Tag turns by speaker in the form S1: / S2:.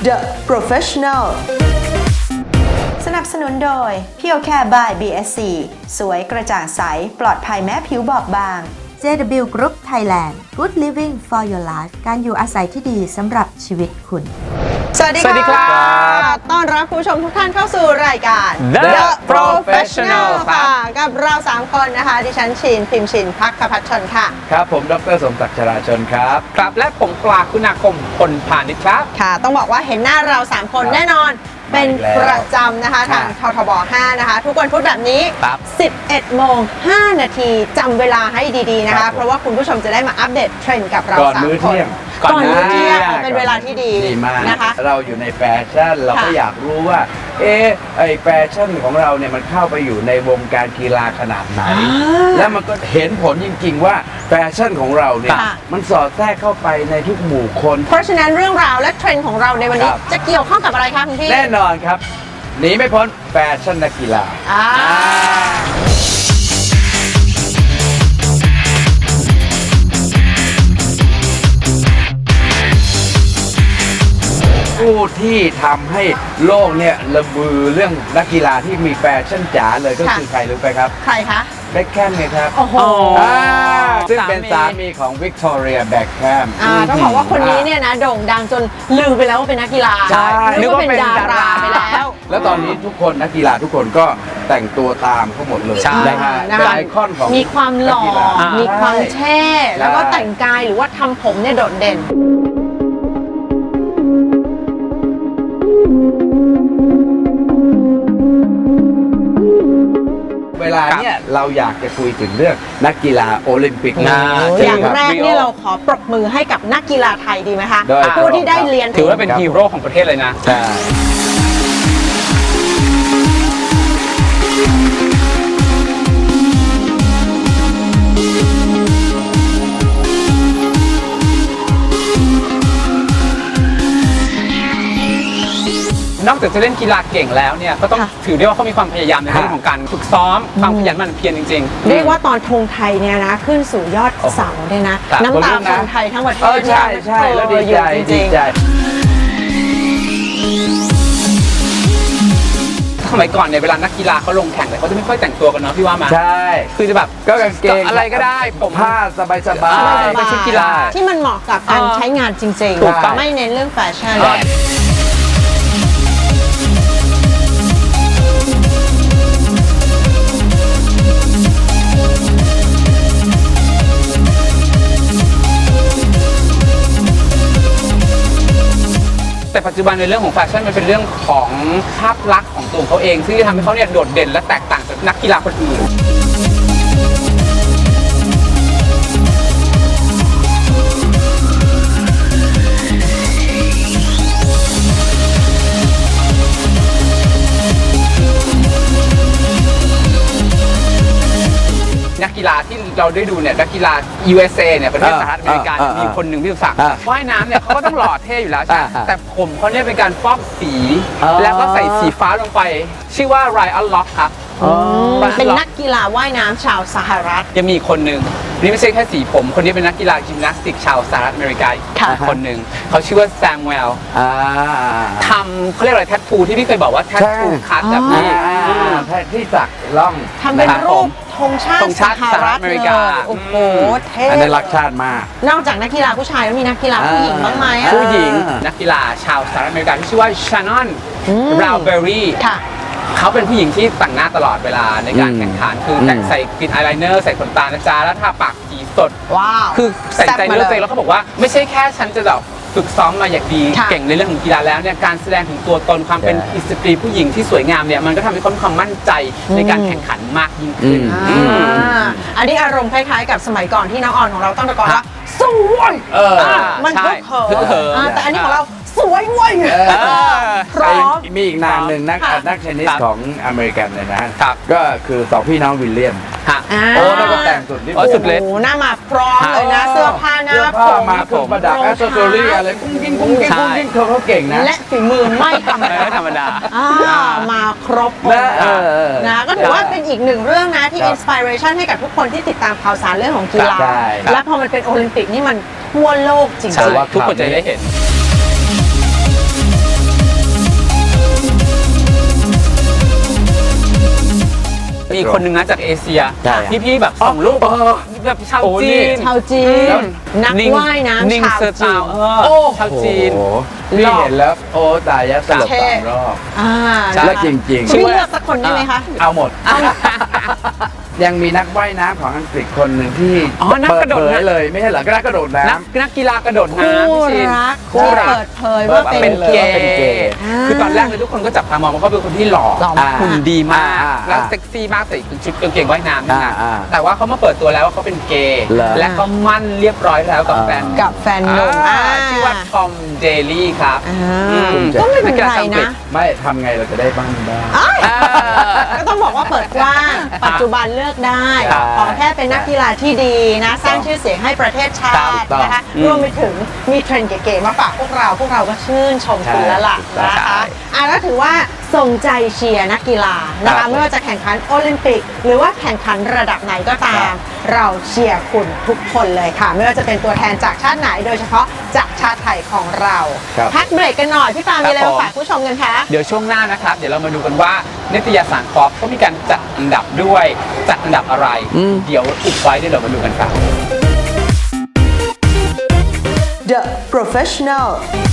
S1: The Professional สนับสนุนโดย Pure Care by BSC สวยกระจ่างใสปลอดภัยแม้ผิวบอบบาง JW Group Thailand Good Living for Your Life การอยู่อาศัยที่ดีสำหรับชีวิตคุณสวัสดีค่ะต้อนรับผู้ชมทุกท่านเข้าสู่รายการ
S2: The Professional
S1: ค่ะกับเรา3คนนะคะดิฉันชินพิมพ์ชินภัคพัชชนค่ะ
S2: ครับผมดร.สมศักดิ์ชราชนครับครับและผมปราคุณาคมพลพาณิชย์ครับ
S1: ค่ะต้องบอกว่าเห็นหน้าเรา3คนแน่นอนเป็นประจำนะคะทางททบ5นะคะทุกวันพุธแบบนี้ 11 โมง 5 นาทีจำเวลาให้ดีๆนะคะเพราะว่าคุณผู้ชมจะได้มาอัปเดตเทรนด์กับเรา3 คนก่อนมื้อเที่ยงเป็นเวลาที่ดี
S2: มาก
S1: นะคะ
S2: เราอยู่ในแฟชั่นเราก็อยากรู้ว่าไอแฟชั่นของเราเนี่ยมันเข้าไปอยู่ในวงการกีฬาขนาดไหนแล้วมันก็เห็นผลจริงๆว่าแฟชั่นของเราเนี่ยมันสอดแทรกเข้าไปในทุกหมู่คน
S1: เพราะฉะนั้นเรื่องราวและเทรนด์ของเราในวันนี้จะเกี่ยวข้องกับอะไรคะคุณพี่
S2: แน่นอนครับหนีไม่พ้นแฟชั่นนักกีฬาผู้ที่ทำให้โลกเนี่ยระบือเรื่องนักกีฬาที่มีแฟชั่นจ๋าเลยก็คือใครรู้ไหมครับ
S1: ใครคะ
S2: เบ็คแคมไงครับ
S1: โอ้โห
S2: ซึ่งเป็นสามีของวิกตอเรียแบ็คแคม
S1: ต้องบอกว่าคนนี้เนี่ยนะโด่งดังจนลืมไปแล้วว่าเป็นนักกีฬานึกว่าเป็นดาราไปแล้ว
S2: ตอนนี้ทุกคนนักกีฬาทุกคนก็แต่งตัวตามเขาหมดเลยเป็นไอคอนของ
S1: มีความหล่อมีความเท่แล้วก็แต่งกายหรือว่าทำผมเนี่ยโดดเด่น
S2: เวลาเนี่ยเราอยากจะคุยถึงเรื่องนักกีฬาโอลิมปิก
S1: อย่างแรกนี่เราขอปรบมือให้กับนักกีฬาไทยดีไหมคะผู้ที่ได้เรียน
S3: ถือว่าเป็นฮีโร่ของประเทศเลยนะ
S2: ใช่
S3: นอกจากจะเล่นกีฬาเก่งแล้วเนี่ยก็ต้องถือได้ว่าเขามีความพยายามในเรื่องของการฝึกซ้อมความขยันหมั่นเพียรจริง
S1: ๆเรียกว่าตอนธงไทยเนี่ยนะขึ้นสู่ยอดเสาเนี่ยนะน้ำตาคนไทยทั้งประเทศ
S2: ใช่ใช่แล้วดีใจดีใจ
S3: สมัยก่อนเนี่ยเวลานักกีฬาเขาลงแข่งเลยเขาจะไม่ค่อยแต่งตัวกันเนาะพี่ว่ามา
S2: ใช่
S3: คือจะแบบ
S2: ก็กางเกง
S3: อะไรก็ได้ผม
S2: ผ้าสบาย
S3: เป็นชุดกีฬา
S1: ที่มันเหมาะกับการใช้งานจริงๆไม่เน้นเรื่องแฟชั่น
S3: แต่ปัจจุบันในเรื่องของแฟชั่นมันเป็นเรื่องของภาพลักษณ์ของตัวเขาเองซึ่งจะทำให้เขาเนี่ยโดดเด่นและแตกต่างจากนักกีฬาคนอื่นนักกีฬาที่เราได้ดูเนี่ยนักกีฬา USA เนี่ยประเทศสหรัฐอเมริกามีคนหนึ่งที่รู้จักว่ายน้ำเนี่ยเขาก็ต้องหล่อเท่อยู่แล้วใช่แต่ผมเขาเนี่ยเป็นการฟอกสีแล้วก็ใส่สีฟ้าลงไปชื่อว่าไรอันล็อกครับ
S1: เป็นนักกีฬาว่ายน้ำชาวสหรัฐ
S3: ยังมีคนหนึ่งนี่ไม่ใช่แค่สีผมคนนี้เป็นนักกีฬายิมนาสติกชาวสหรัฐอเมริกาคนหนึ่งเขาชื่อว่าแซมเวลทำเขาเรียกอะไรแทททูที่พี่เคยบอกว่าแทททูคัทแบบนี้
S2: ที่สักล่อง
S1: ทำเป็นรูปธงชาติสหรัฐอเมริกาโอ้โหเท่
S2: อันนั้นรักชาติมาก
S1: นอกจากนักกีฬาผู้ชายแล้วมีนักกีฬาผู้หญิงบ้างไหม
S3: ผู้หญิงนักกีฬาชาวสหรัฐอเมริกาที่ชื่อว่าชานอนบราวเบอรี่เขาเป็นผู้หญิงที่แต่งหน้าตลอดเวลาในการแข่งขันคือแต่งใส่กลินอายไลเนอร์ใส่ขนตานะจ๊ะแล้วทาปากสีสด
S1: ว้าว
S3: คือใส่ใจเนื้อใจแล้วเขาบอกว่าไม่ใช่แค่ฉันจะแบบฝึกซ้อมมาอย่างดีเก่งในเรื่องของกีฬาแล้วเนี่ยการแสดงถึงตัวตนความเป็นสตรีผู้หญิงที่สวยงามเนี่ยมันก็ทำให้เขามีความมั่นใจในการแข่งขันมากยิ่งขึ้น
S1: อันนี้อารมณ์คล้ายๆกับสมัยก่อนที่น้องออนของเราต้องตะโกนว่าสวยมันก็เขินแต่อันนี้ของเราสวยเว้ยพร้อม
S2: มีอีกนามหนึ่งนักเทนนิสของอเมริกันเลยนะก็คือสองพี่น้องวิลเลียมโอ้แล้วก็แต่งสุดที่
S3: สุดเลย
S1: โอ้หน้ามาพร้อมเลยนะเสื้อผ้าหน้าผม
S2: มาเครื่องประดับแอสเซสซอรี่อะไรกุ้งกิ้งเขาเก่งนะ
S1: และฝีมือไม่ธร
S3: รมดา
S1: มาครบนะก็ถือว่าเป็นอีกหนึ่งเรื่องนะที่อินสปิเรชันให้กับทุกคนที่ติดตามข่าวสารเรื่องของกีฬาและพอมันเป็นโอลิมปิกนี่มันทั่วโลกจริง
S3: ๆทุกคนจะได้เห็นอีกคนนึงนะจากเอเชีย
S2: ใช่
S3: พี่แบบส่งรูปแบบชาว
S2: โอ้
S3: จี
S2: นี่
S3: น
S1: ชาวจีน นัก
S3: นิ่ง
S1: ว่ายน้ำ
S3: นิ่ง
S1: ชาว
S3: เซอร์
S1: จี
S3: ตาน ว
S1: โอ้
S3: ชาวจีน
S2: โอ้โหพี่เห็นแล้วโอ้ตายยะสลบ
S1: เท่
S2: 3 รอบ
S1: อ่า
S3: ใช่
S2: แล้วจริง
S1: คุณพี่เลือกสักคนได้ไหมคะ
S2: ๆ เอาหมด ยังมีนักว่ายน้ำของอังกฤษคนหนึ่งที่
S3: อ๋อนัก
S2: เปิ
S3: ก
S2: ด
S3: ระโดด
S2: เผย
S3: น้ำ
S2: เลยไม่ใช่เหรอก็นักกระโดดน้
S3: นักกีฬากระโดด
S1: คู่
S3: น้ำพี่ชิน
S1: รัก
S3: คู่
S1: ที่
S3: รัก
S1: เปิดเผยว่าเป็น
S3: เป็น
S1: เก
S3: เก
S1: ย์
S3: ย์
S2: เป็นเกย์
S3: คือตอนแรกเลยทุกคนก็จับตามองว่าเขาเป็นคนที่หล่อ
S1: หล่อ
S3: หุ่นดีมาก
S2: อ่า
S3: แล้วเซ็กซี่มากใส่ชุดกางเกงว่ายน้ำนี่นะ
S2: อ่า
S3: แต่ว่าเขามาเปิดตัวแล้วว่าเขาเป็นเกย์
S2: เหรอ
S3: และก็มั่นเรียบร้อยแล้วกับแฟน
S1: กับแฟนหนุ่ม
S3: ชื่อว่าทอมเดลี่ครับ
S1: อ่า
S3: อืม
S1: ก็ไม่เป็นไรนะ
S2: ำไม่ทำไงเราจะได้บ้างได้
S1: ก็ต้องบอกว่าเปิดกว้าง ปัจจุบันเลือกได้
S2: ครับ
S1: ขอแค่เป็นนักกีฬาที่ดีนะ สร้างชื่อเสียงให้ประเทศชา
S2: ถู
S1: ติ
S2: กต้อง
S1: นะคะ รวมไปถึงมีเทรนด์เก๋ๆมาฝากพวกเราก็ชื่นชมคุณแล้วล่ะ
S2: ใช่
S1: นะคะแล้วถือว่าส่งใจเชียร์นักกีฬานะ
S2: ครั
S1: คะ
S2: บ
S1: ไม่ว่าจะแข่งขันโอลิมปิก หรือว่าแข่งขันระดับไหนก็ตา
S2: ครั
S1: ม
S2: บ
S1: เราเชียร์คุณทุกคนเลยค่ะ ไม่ว่าจะเป็นตัวแทนจากชาติไหน โดยเฉพาะจากชาติไทยของเรา
S2: ครับ
S1: พักเบรกกันหน่อยพี่ปามีอะไร
S3: ครับ
S1: มา
S3: ผม
S1: ฝากผู้ชมกันคะ
S3: เดี๋ยวช่วงหน้านะครับ เดี๋ยวเรามาดูกันว่านิตยสารฟอบเขามีการจัดอันดับด้วย จัดอันดับอะไร เดี๋ยวอุบไว้เดี๋ยวเรามาดูกันครับ
S1: The Professional